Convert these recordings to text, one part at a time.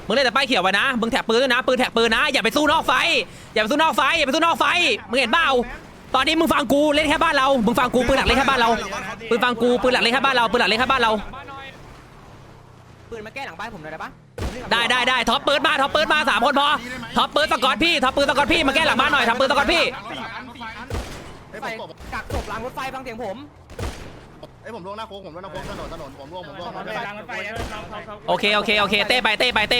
มึงเล่นแต่ป้ายเขียวไว้นะมึงแท็กปืนด้วยนะปืนแท็กปืนนะอย่าไปสู้นอกไฟอย่าไปสู้นอกไฟอย่าไปสู้นอกไฟมึงเห็นเปล่าตอนนี้มึงฟังกูเล่นแค่บ้านเรามึงฟังกูปืนหลักเล่นแค่บ้านเราปืนฟังกูปืนหลักเล่นแค่บ้านเราปืนหลักเล่นแค่บ้านเราปืนมาแก้หลังบ้านผมหน่อยได้ปะได้ท็อปปืนมา3 คนพอท็อปปืนสกอตพี่ท็อปปืนสกอตพี่มาแก้หลังบ้านหน่อยท็อปปืนสกอตพี่ไฟกักศพหลังรถไฟฟังเสียงผมไอ้ผมล่วงหน้าโค้งผมล่วงหน้าโค้งถนนผมล่วงโอเคเต้ไป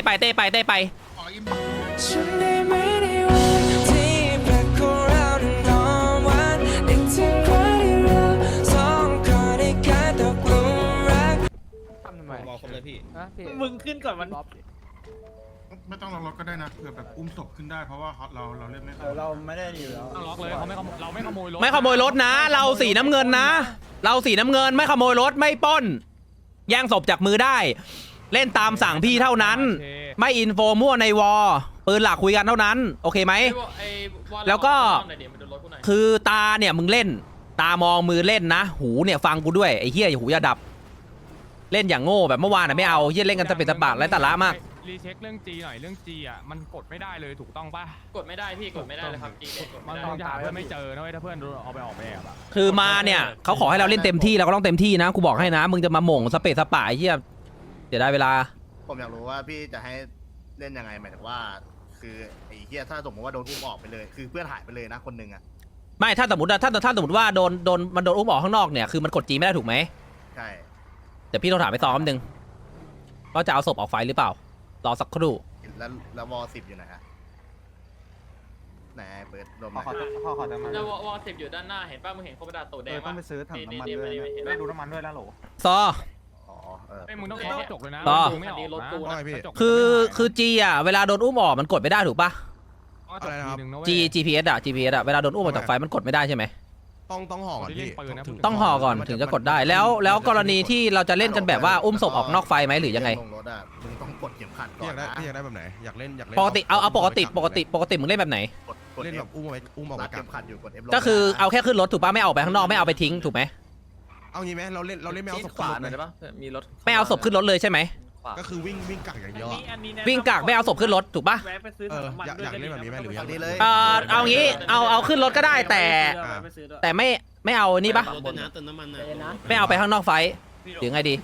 ฉันได้ไม่ได้วันที่แปลกของเรานั้นหอมหวานนึกถึงวันที่เราสองคนได้กลายตกหลุมรักทำไมบอกผมเลยพี่มึงขึ้นก่อนมันไม่ต้องลงรถก็ได้นะเผื่อแบบอุ้มศพขึ้นได้เพราะว่าเราเล่นไม่ได้เราไม่ได้อยู่แล้วต้องล็อกเลยเขาไม่เราไม่ขโมยรถไม่ขโมยรถนะเราสีน้ำเงินนะเราสีน้ำเงินไม่ขโมยรถไม่ปล้นแย่งศพจากมือได้เล่นตามสั่งพี่เท่านั้นไม่อินโฟมั่วในวอปืนหลักคุยกันเท่านั้นโอเคไหมแล้วก็คือตาเนี่ยมึงเล่นตามองมือเล่นนะหูเนี่ยฟังกูด้วยไอ้เหี้ยหูอย่าดับเล่นอย่างโง่แบบเมื่อวานน่ะไม่เอาเหี้ยเล่นกันจะเป็นตะบะและตะละมากรีเช็คเรื่องจีหน่อยเรื่องจีอ่ะมันกดไม่ได้เลยถูกต้องป่ะกดไม่ได้พี่กดไม่ได้เลยครับจีมันต้องหาเพื่อนไม่เจอนะเว้ยถ้าเพื่อนเอาไปออกแบบอ่ะคือมาเนี่ยเขาขอให้เราเล่นเต็มที่เราก็ต้องเต็มที่นะกูบอกให้นะมึงจะมาหม่งสเปซสปะไอ้เหี้ยเดี๋ยวได้เวลาผมอยากรู้ว่าพี่จะให้เล่นยังไงหมายถึงว่าคือไอ้เหี้ยถ้าสมมติว่าโดนอุ้มออกไปเลยคือเพื่อนหายไปเลยนะคนหนึ่งอะไม่ถ้าสมมติว่าโดนมันโดนอุ้มออกข้างนอกเนี่ยคือมันกดจีไม่ได้ถูกไหมใช่เดี๋ยวพี่ต้องถามไปซ้อมนึงว่าจะเอาศพออกไฟหรือเปล่ารอสักครู่แล้ววอ10อยู่ไหนฮะไหนเปิดลมหน่อยแล้ววอ10อยู่ด้านหน้าเห็นป่ะมึงเห็นโคบดาโตแดงต้องไปซื้อถังน้ำมันด้วยนะดูน้ำมันด้วยนะโหลซอไอ้มึงต้องเคาะกระจกเลยนะไม่ออกรถกูนะคือจีอ่ะเวลาโดนอุ้มออกมันกดไม่ได้ถูกปะอะไรนะครับ GPS อ่ะเวลาโดนอุ้มออกจากไฟมันกดไม่ได้ใช่ไหมต้องห่อก่อนพี่ต้องห่อก่อนถึงจะกดได้แล้วกรณีที่เราจะเล่นกันแบบว่าอุ้มศพออกนอกไฟไหมหรือยังไงลงรถอะมึงต้องกดเข็มขัดก่อนนะพี่อยากได้แบบไหนอยากเล่นปกติเอาปกติมึงเล่นแบบไหนเล่นแบบอุ้มออกรัมาดเข็มขัดอยู่กด F ก็คือเอาแค่ขึ้นรถถูกปะไม่เอาไปข้างนอกไม่เอาไปทิ้งถูกไหมเอางี้ไหมเราเล่นไม่เอาศพขึ้นรถเลยมีรถไม่เอาศพขึ้นรถเลยใช่ไหมก็คือวิ่งกักอย่างเดียววิ่งกักไม่เอาศพขึ้นรถถูกปะอยากเล่นแบบนี้ไหมหรือยังเลยเอางี้เอาขึ้นรถก็ได้แต่ไม่เอานี่ปะไม่เอาไปข้างนอกไฟหรือไงดี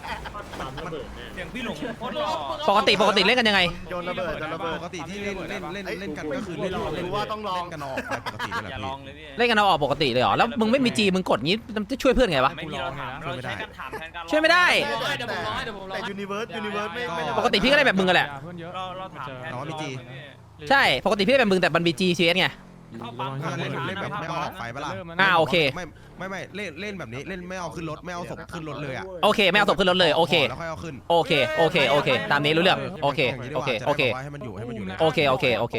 ปกติเล่นกันยังไงโยนระเบิดปกติที่เล่นกันก็คือเล่นว่าต้องลองกันออกปกตินี่แหละพี่เล่นกันเอาออกปกติเลยเหรอแล้วมึงไม่มีจีมึงกดงี้จะช่วยเพื่อนไงวะช่วยไม่ได้แต่ยูนิเวิร์สไม่ปกติพี่ก็เล่นแบบมึงกันแหละน้องมีจีใช่ปกติพี่เล่นแบบมึงแต่มันมีจีซีเอสไงเล่นแบบไม่เอาออกไฟเปล่าโอเคไม่เล่นแบบนี้เล่นไม่เอาขึ้นรถไม่เอาศพขึ้นรถเลยอ่ะโอเคไม่เอาศพขึ้นรถเลยโอเคแล้วค่อยเอาขึ้นโอเคตามนี้รู้เรื่องโอเคให้มันอยู่โอเค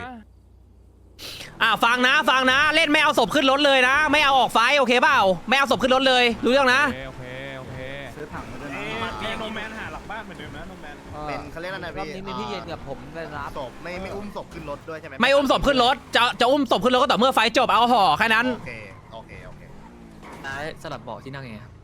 ฟังนะเล่นไม่เอาศพขึ้นรถเลยนะไม่เอาออกไฟโอเคเปล่าไม่เอาศพขึ้นรถเลยรู้เรื่องนะโอเคซื้อถังมาด้วยนะโนแมนหาหลังบ้านเหมือนเดิมนะโนแมนเป็นเขาเรียกอะไรนะพี่รอบนี้มีพี่เย็นกับผมไปรับศพไม่อุ้มศพขึ้นรถด้วยใช่ไหมไม่อุ้มศพขึ้นรถจะอุ้มศพขึ้นรถก็ต่อเมื่อไฟจบเอาห่อแค่นั้นโอเคสลับเบาะที่นั่งไงครับ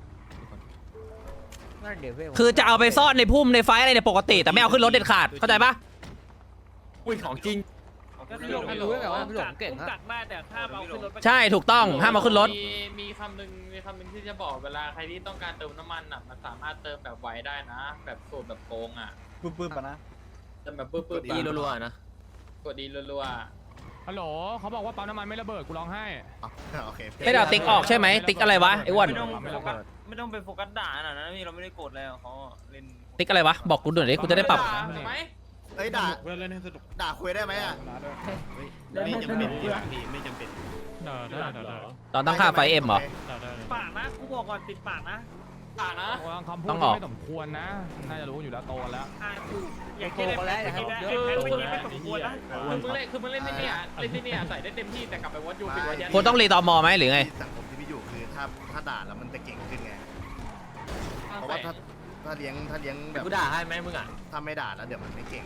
คือจะเอาไปซ่อนในพุ่มในไฟอะไรในปกติแต่ไม่เอาขึ้นรถเด็ดขาดเข้าใจปะอุ้ยของจริงก็คือรู้แบบว่าพี่หลงเก่งฮะใช่ถูกต้องห้ามเอาขึ้นรถมีคำหนึ่งที่จะบอกเวลาใครที่ต้องการเติมน้ำมันอ่ะมันสามารถเติมแบบไวได้นะแบบสูตรแบบโกงอ่ะปื้มปะนะเติมแบบปื้มดีรัวๆนะกดดีรัวฮัลโหลเขาบอกว่าปั๊มน้ำมันไม่ระเบิดกูร้องไห้โอเคไม่ได้ติ๊กออกใช่ไหมติ๊กอะไรวะไอ้อ้วนไม่ต้องไปโฟกัสด่าน่ะนะนี่เราไม่ได้กดแล้วเขาเล่นติ๊กอะไรวะบอกกูหน่อยดิกูจะได้ปรับเฮ้ยด่าคุยได้ไหมอ่ะไม่จำเป็นไม่จำเป็นตอนตั้งค่าไฟเอ็มเหรอปากนะกูบอกก่อนติดปากนะคำพูดไม่สมควรนะน่าจะรู้อยู่แล้วโตแล้วอย่าโกงแล้วอย่าให้เยอะไม่สมควรนะคือมึงเล่นที่เนี่ยใส่ได้เต็มที่แต่กลับไปวัดยูปิดวัดยันคุณต้องรีตอมอไหมหรือไงสังคมที่พี่อยู่คือถ้าด่าแล้วมันจะเก่งขึ้นไงเพราะว่าถ้าเลี้ยงแบบกูด่าให้ไหมมึงอ่ะถ้าไม่ด่าแล้วเดี๋ยวมันไม่เก่ง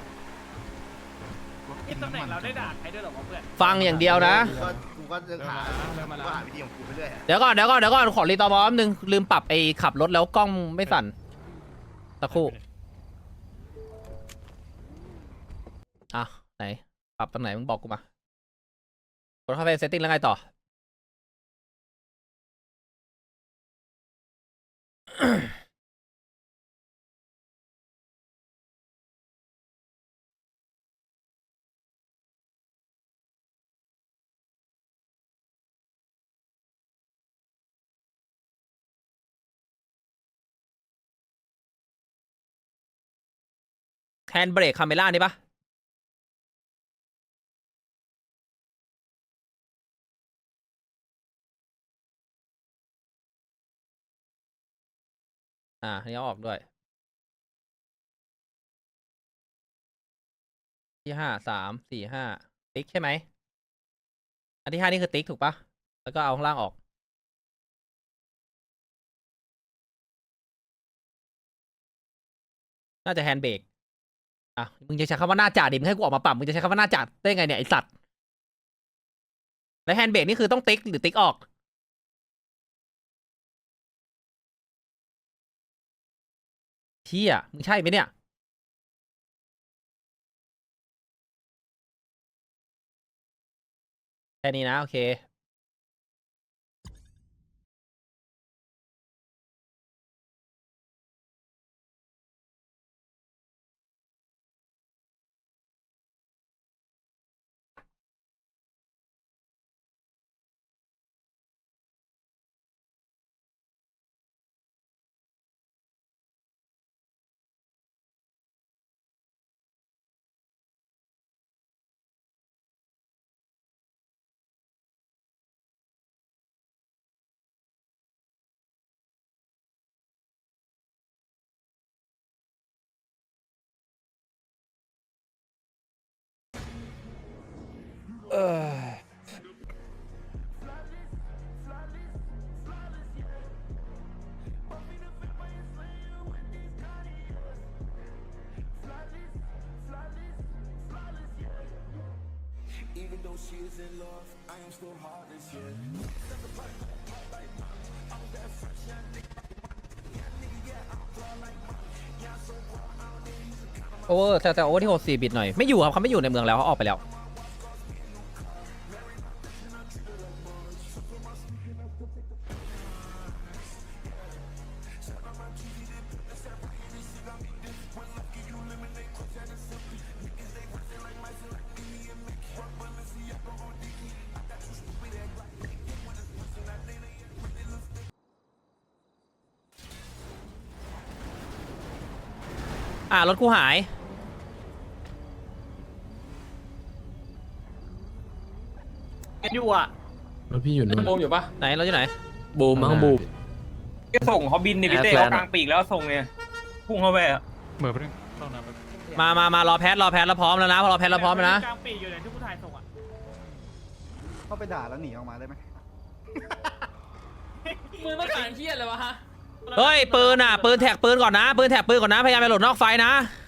ตำแหน่งเราได้ด่าใครด้วยหรอเพื่อนฟังอย่างเดียวนะกูก็หาวิธีของกูไปเรื่อยเดี๋ยวก่อนขอรีตอมอนึงลืมปรับไอ้ขับรถแล้วกล้องไม่สั่นตะคู่อ่ะไหนปรับตรงไหนมึงบอกกูมากดเข้าไปเซตติ้งแล้วไงต่อ แฮนด์เบรกคาเมล่านี่ปะนี่เอาออกด้วยที่5 3 4 5ติ๊กใช่ไหมอันที่5นี่คือติ๊กถูกปะแล้วก็เอาข้างล่างออกน่าจะแฮนด์เบรกมึงจะใช้คำว่าหน้าจ่าดิมึงให้กูออกมาปรับมึงจะใช้คำว่าหน้าจ่าได้ไงเนี่ยไอสัตว์แล้วแฮนด์เบรกนี่คือต้องติ๊กหรือติ๊กออกเชี่ยมึงใช่ไหมเนี่ยแค่นี้นะโอเคโอเวอร์แต่โอเวอร์ที่64บิตหน่อยไม่อยู่ครับเขาไม่อยู่ในเมืองแล้วเขาออกไปแล้วรถกูหายอยู่อ่ะแล้วพี่อยู่นู่นบูมอยู่ปะไหนเราอยู่ไหนบูมมั้งบูมก็ส่งเขาบินนี่พี่เต้เขากลางปีกแล้วส่งเนี่ยพุ่งเข้าไปอ่ะเหมือนเพิ่งต้องนำไปมารอแพทแล้วพร้อมแล้วนะพอรอแพทแล้วพร้อมแล้วนะกลางปีกอยู่ไหนที่ผู้ถ่ายส่งอ่ะเข้าไปด่าแล้วหนีออกมาได้ไหมมือต้องการเครียดเลยวะฮะเฮ้ยปืนปืนแท็กปืนก่อนนะปืนแท็กปืนก่อนนะพยายามไปหลดนอกไฟนะ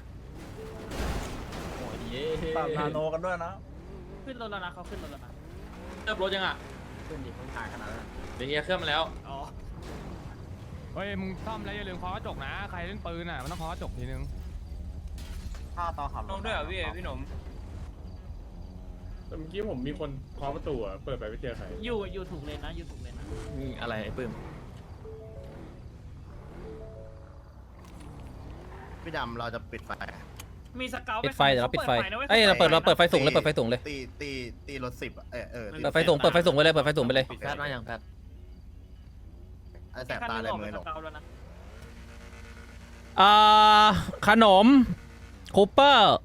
ปรับนาโนกันด้วยนะขึ้นรถแล้วนะเขาขึ้นรถแล้วนะเริ่มรถยังอ่ะขึ้นดิเขาถ่ายขนาดนั้นเดี๋ยวเฮียเครื่องมาแล้วอ๋อเฮ้ยมึงซ่อมแล้วอย่าลืมเคาะกระจกนะใครเล่นปืนมันต้องเคาะกระจกทีนึงถ้าตอนขับลงด้วยเหรอพี่หนุ่มเมื่อกี้ผมมีคนเคาะประตูอ่ะ เปิดไปไม่เจอใครอยู่ถูกเลนนะอยู่ถูกเลนนะอะไรไอ้ปื้มพี่ดำเราจะปิดไฟมีสเกลปิดไฟเดี๋ยวเราปิดไฟเอ้ยเราเปิดไฟสูงเลยเปิดไฟสูงเลยตีรถ10ตีเปิดไฟสูงเปิดไฟสูงไปเลยเปิดไฟสูงไปเลยแพทมาอย่างแพทไอ้แสบตาอะไรมือหนกแล้วนะขนมคูเปอร์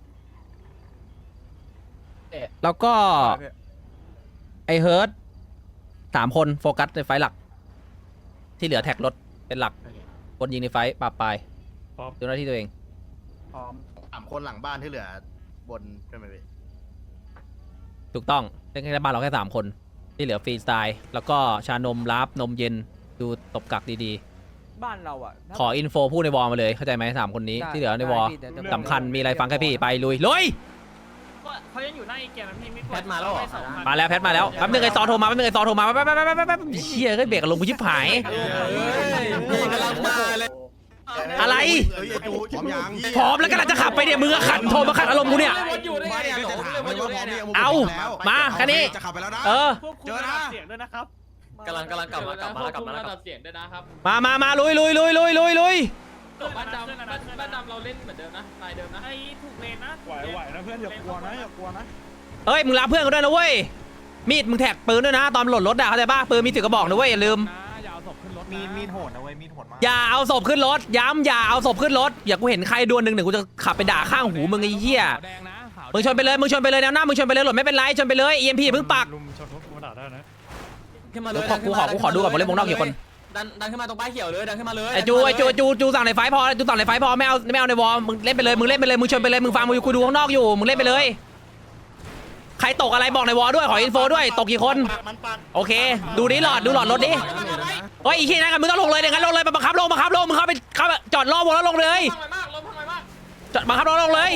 แล้วก็ไอเฮิร์ต3 คนโฟกัสในไฟหลัก ที่เหลือแท็กรถเป็นหลักคนยิงในไฟปราบปลายดูหน้าที่ตัวเองพร้อม 3 คนหลังบ้านที่เหลือ บนใช่ไหมพี่ถูกต้องเล่นแค่บ้านเราแค่3 คนที่เหลือฟรีสไตล์แล้วก็ชานมรับนมเย็นดูตบกักดีๆบ้านเราอ่ะขออินโฟพูดในวอลมาเลยเข้าใจไหม3 คนนี้ที่เหลือในวอลสำคัญมีอะไรฟังแค่พี่ไปลุยเขายังอยู่หน้าอีเกียนะพี่ไม่แพทมาแล้วเหรอมาแล้วแพทมาแล้วแป๊บนึงไอซอโทรมาแป๊บนึงไอซอโทรมาแป๊บเชี่ยเฮ้ยเบรกกับลงกูชิบหายกำลังมาเลยอะไรพร้อมยังพร้อมแล้วกำลังจะขับไปเนี่ยมึงอะขัดโทรมาขัดอารมณ์กูเนี่ยวนอยู่ได้ไงไม่เนี่ยก็จะถามเลยว่าพร้อมเนี่ยเอาแล้วมาแค่นี้จะขับไปแล้วนะเออเจอนะเสียงด้วยนะครับกำลังกลับมาระดับเสียงด้วยนะครับมาลุยบ้านดำเราเล่นเหมือนเดิมนะลายเดิมนะไอ้ถูกเลนนะไหวนะเพื่อนอย่ากลัวนะอย่ากลัวนะเฮ้ยมึงรับเพื่อนกันด้วยนะเว้ยมีดมึงแท็กปืนด้วยนะตอนหล่นรถอะเข้าใจป่ะปืนมีถือกระบอกนะเว้ยอย่าลืมอย่าเอาศพขึ้นรถมีดโหดนะเว้ยมีดโหดมากอย่าเอาศพขึ้นรถย้ำอย่าเอาศพขึ้นรถอย่ากูเห็นใครดวลหนึ่งกูจะขับไปด่าข้างหูมึงไอ้เหี้ยแดงนะขาวมึงชนไปเลยแนวหน้ามึงชนไปเลยหล่นไม่เป็นไรชนไปเลย EMP อย่าเพิ่งปักขึ้นมาเลเดี๋ยยวกูขอดูก่อนผมเล่นวงนอกกี่คนดันขึ้นมาตรงป้ายเขียวเลยดันขึ้นมาเลยไอ้จูสั่งในไฟพอจูสั่งในไฟพอไม่เอาในวอลมึงเล่นไปเลยมึงชนไปเลยมึงฟังมึงกูดูข้างนอกอยู่มึงเล่นไปเลยใครตกอะไรบอกในวอลด้วยขออินโฟด้วยตกกี่คนโอเคดูหลอดรถดิเฮ้ยอีกทีนะกันมึงต้องลงเลยเดี๋ยวงั้นลงเลยบังคับลงมึงเข้าไปจอดรอวงแล้วลงเลยทำไมมากลมทำไมมากจอดบังคับลงเลย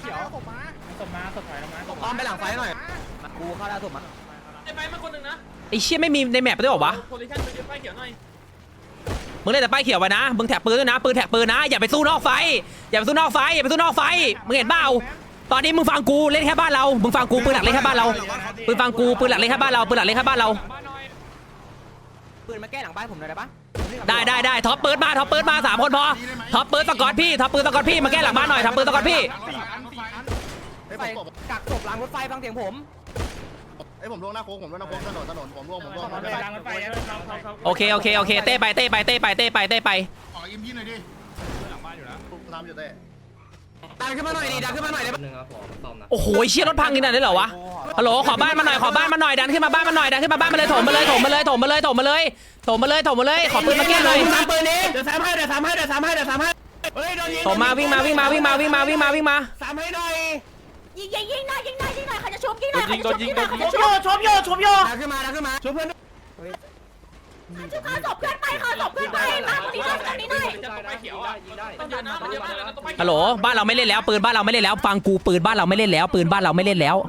อ้อมไปหลังไฟหน่อยกูเข้าได้ถูกมั้ยไอ้ไฟมาคนนึงนะไอ้เชี่ยไม่มีในแมปด้วยหรอวะโพลิชั่นไปยืนป้ายเขียวหน่อยมึงเล่นแต่ป้ายเขียวไว้นะมึงแท็กปืนด้วยนะปืนแท็กปืนนะอย่าไปสู้นอกไฟมึงเห็นเปล่าตอนนี้มึงฟังกูเล่นแค่บ้านเรามึงฟังกูปืนหลักเล่นแค่บ้านเราปืนฟังกูปืนหลักเล่นแค่บ้านเราปืนมาแก้หลังบ้านผมได้ปะได้ท็อปปืนมา3คนพอท็อปปืนสกอตพี่มาแก้หลังบ้านหน่อยท็อปปืนสกอตพี่กักศพล้างรถไฟฟังเสียงผมผมล่วงหน้าโค้งถนนผมล่วงโอเคเต้ไปขออิมพี่หน่อยดิทำอยู่เต้ดันขึ้นมาหน่อยดิดันขึ้นมาหน่อยโอ้โหเชี่ยรถพังนี่นั่นได้เหรอวะฮัลโหลขอบ้านมาหน่อยดันขึ้นมาบ้านมาเลยถมมาเลยขอปืนมาแก้หน่อยปืนนี้เดี๋ยว3ให้เฮ้ยโดนยิงถมมาวิ่งมา 3ให้หน่อยยิงหน่อยเขาจะชุบยิงหน่อยเขาจะชุบชบโยดันขึ้นมาชุบเพื่อนเขาศพเพื่อนไปมาตรงนี้หน่อยป้ายเขียวอ่ะต้องยืนนะต้องยืนนะต้องป้ายเขียวฮัลโหลบ้านเราไม่เล่นแล้วปืนบ้านเราไม่เล่นแล้วฟังกูปืนบ้านเราไม่เล่นแล้วมึงย้ายมามึงย้ายมา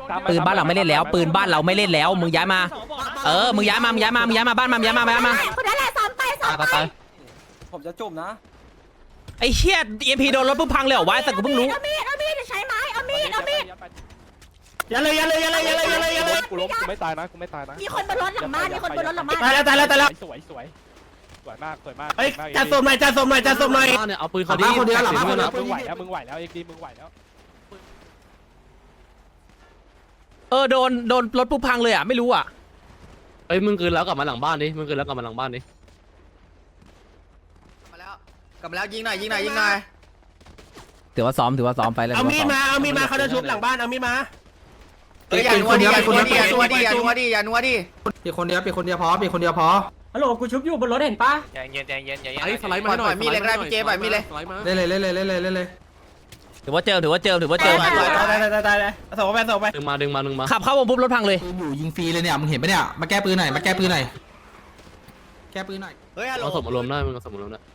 บ้านมาคนนั้นแหละซ้ำไปผมจะจุ่มนะไอ้เชี่ย EMP โดนรถปุ๊บพังเลยเหรอวะแต่กูเพิ่งรู้เอามีดใช้ไม้เอามีดอย่าเลยกูล้มกูไม่ตายนะมีคนบนรถหลังบ้านตายแล้วสวยมากเฮ้ยจัดสมหน่อยเนี่ยเอาปืนเขาดีคนเดียวหลังบ้านมึงไหวแล้วเอ็กดีมึงไหวแล้วโดนรถปุ๊บพังเลยอ่ะไม่รู้อ่ะเอ้ยมึงคืนแล้วกลับมาหลังบ้านดิกลับมาแล้วยิงหน่อยถือว่าซ้อมไปเลยเอามีดมาเขาจะชุบหลังบ้านเอามีดมาอย่านัวดิอย่านัวดิปีคนเดียวพอฮัลโหลกูชุบอยู่บนรถเห็นปะไอ้สไลด์มาหน่อยมีเลยก็ได้พี่เจปล่อยมีเลยเล่นถือว่าเจอตายส่งไปดึงมาขับเข้าวงปุ๊บรถพังเลยอยู่ยิงฟรีเลยเนี่ยมึงเห็นปะเนี่ยมาแก้ปืนหน่อยแก้ปืนหน่อยเฮ้ยฮัลโหลเอาสมอารมณ์ได้มึงเอาสมอารมณ์ได้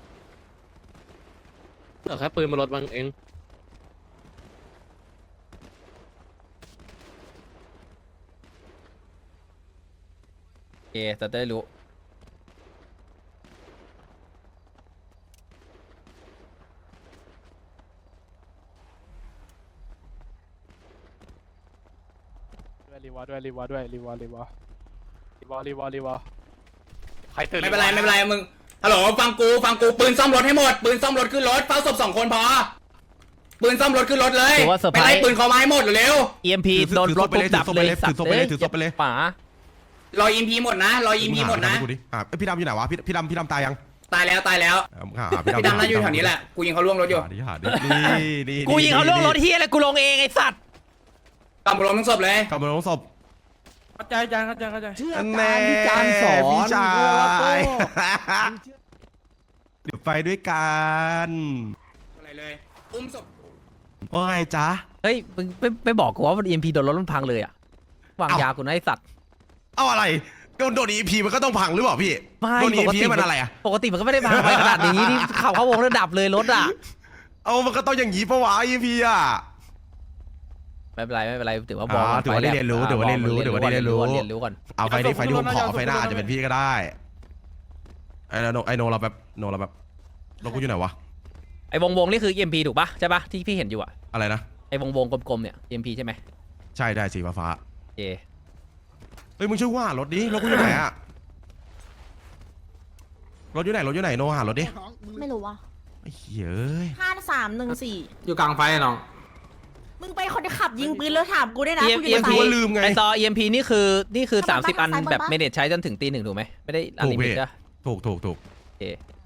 แต่แค่ปืนมาลดมันเองโอเคจะได้รู้รีวอใครตื่นไม่เป็นไรมึงฮัลโหลฟังกูปืนซ่อมรถให้หมดปืนซ่อมรถขึ้นรถเฝ้าศพ2 คนพอปืนซ่อมรถขึ้นรถเลยไปไล่ปืนเขามาให้หมดเร็ว EMP โดนรถปุ๊บดับเลยสัตว์เลยป๋ารออิมพีหมดนะดูดิพี่ดำอยู่ไหนวะพี่ดำตายยังตายแล้วพี่ดำน่าอยู่แถวนี้แหละกูยิงเขาล่วงรถอยู่หาดินี่กูยิงเขาล่วงรถเฮียเลยกูลงเองไอ้สัตว์กำลังทั้งศพเลยกำลังลงศพเข้าใจแม่พี่ชายเดี๋ยวไปด้วยกันอะไรเลยอุ้มศพว่าไงจ๊ะเฮ้ยมึงไม่บอกกูว่า EMP โดนรถมันพังเลยอ่ะวางยากูนะไอ้สัตว์เอาอะไรโดน EP มันก็ต้องพังหรือเปล่าพี่ไม่โดน EP มันอะไรอ่ะปกติมันก็ไม่ได้พังไปขนาดนี้ที่เข้าวงแล้วดับเลยรถอ่ะเอามันก็ต้องอย่างนี้ปะวะ EP อ่ะไม่เป็นไรถือว่าบอกถือว่าได้เรียนรู้ก่อนเรียนรู้ก่อนเอาไฟนี้ผมขอไฟหน้าอาจจะเป็นพี่ก็ได้ไอ้โนเราแบบโนกูอยู่ไหนวะไอ้วงนี่คือ EMP ถูกปะใช่ปะที่พี่เห็นอยู่อะอะไรนะไอ้วงกลมๆเนี่ย EMP ใช่ไหมใช่ได้สีฟ้าโอเคเฮ้ยมึงช่วยว่ารถดิรถกูอยู่ไหนอะรถอยู่ไหนโนหารถดิไม่รู้ว่ะไอ้เหี้ยเอ้ย 5314 อยู่กลางไฟน้องมึงไปคนขับยิงปืนแล้วถามกูได้นะกูอยู่ EMP กูก็ลืมไงไอซอ EMP นี่คือ30 อันแบบเมเนจใช้จนถึงตี 1ถูกไหมไม่ได้อันลิมิตจ้ะถูกโอเค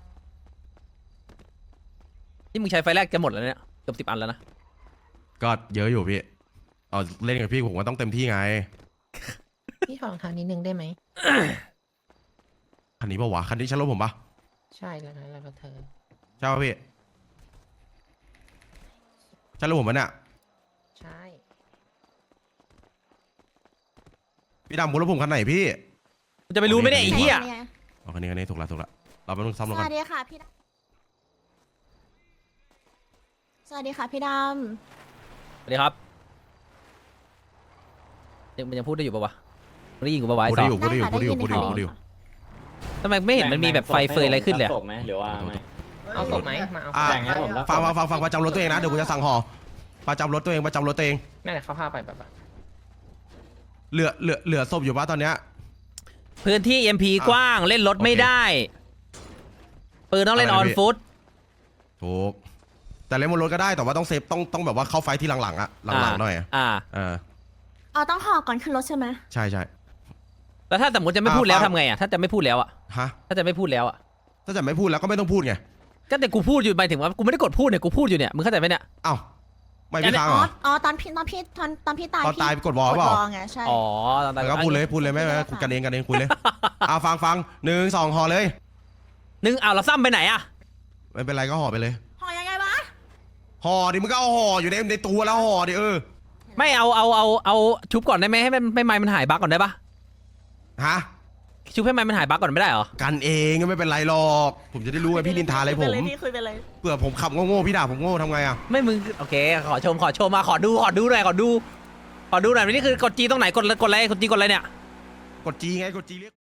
นี่มึงใช้ไฟแรกจะหมดแล้วเนี่ยเกือบ10 อันแล้วนะก็เยอะอยู่พี่เอาเล่นกับพี่ผมก็ต้องเต็มที่ไงพี่ขอรองเท้านิดนึงได้ไหมคันนี้ปะวะคันนี้ใช่รถผมปะใช่แล้วนะแล้วก็เธอใช่ปะพี่ใช่รถผมปะเนี่ยใช่พี่ดำคุณรถผมคันไหนพี่กูจะไปรู้ไหมเนี่ยไอ้เหี้ยอ๋อคันนี้ถูกละเราไปต้องซ่อมรถสกันวัสดีค่ะพี่ดำสวัสดีค่ะพี่ดสวัสดีครับมันยังพูดได้อยู่ปะวะมันได้ยินกูปะวะไอ้พูดซได้ออยู่พูดได้อยู่ทำไมไม่เห็นมันมีแบบไฟเฟยอะไรขึ้นเลยอะหรือว่าไม่ำเอาศพไหมมาเอาอ่ะแบ่งให้ผมแล้วฟังประจำรถตัวเองนะเดี๋ยวกูจะสั่งห่อประจำรถตัวเองนั่นแหละเขาพาไปแบบเหลือศพอยู่ปะตอนเนี้ยพื้นที่ EMP กว้างเล่นรถไม่ได้ปืนต้องเล่นออนฟุตถูกแต่เล่นบนรถก็ได้แต่ว่าต้องเซฟต้องแบบว่าเข้าไฟที่หลังๆอะหลังๆหน่อยเอาต้องห่อก่อนขึ้นรถใช่ไหมใช่แล้วถ้าสมมติจะไม่พูดแล้วทำไงอ่ะถ้าจะไม่พูดแล้วอ่ะฮะถ้าจะไม่พูดแล้วอ่ะถ้าจะไม่พูดแล้วก็ไม่ต้องพูดไงก็แต่กูพูดอยู่หมายถึงว่ากูไม่ได้กดพูดเนี่ยกูพูดอยู่เนี่ยมึงเข้าใจไหมเนี่ยเอ้าไม่พี่ค้างเหรออ๋อตอนพี่ตายตอนตายกดวอลเปล่าไงใช่อ๋อตอนนั้นก็พูดเลยไม่กันเองคุยเลยฟัง1 2ห่อเลยนึงเอาเราซ้ำไปไหนอ่ะไม่เป็นไรก็ห่อไปเลยห่อยังไงวะห่อดิมึงก็เอาห่ออยู่ในตัวแล้วห่อดิไม่เอาชุบก่อนได้ไหมให้ไม้มันหายบั๊กก่อนได้ปะฮะชุบให้ไม้มันหายบั๊กก่อนไม่ได้เหรอกันเองก็ไม่เป็นไรหรอกผมจะได้รู้ว่าพี่นินทาอะไรผมคุยไปเลยเผื่อผมขับโง่ๆพี่ด่าผมโง่ทำไงอะไม่มึงโอเคขอชมมาขอดูหน่อยขอดูหน่อยนี่คือกดจีตรงไหนกดอะไรกดจีกดอะไรเนี่ยกดจีไงกดจีเรียก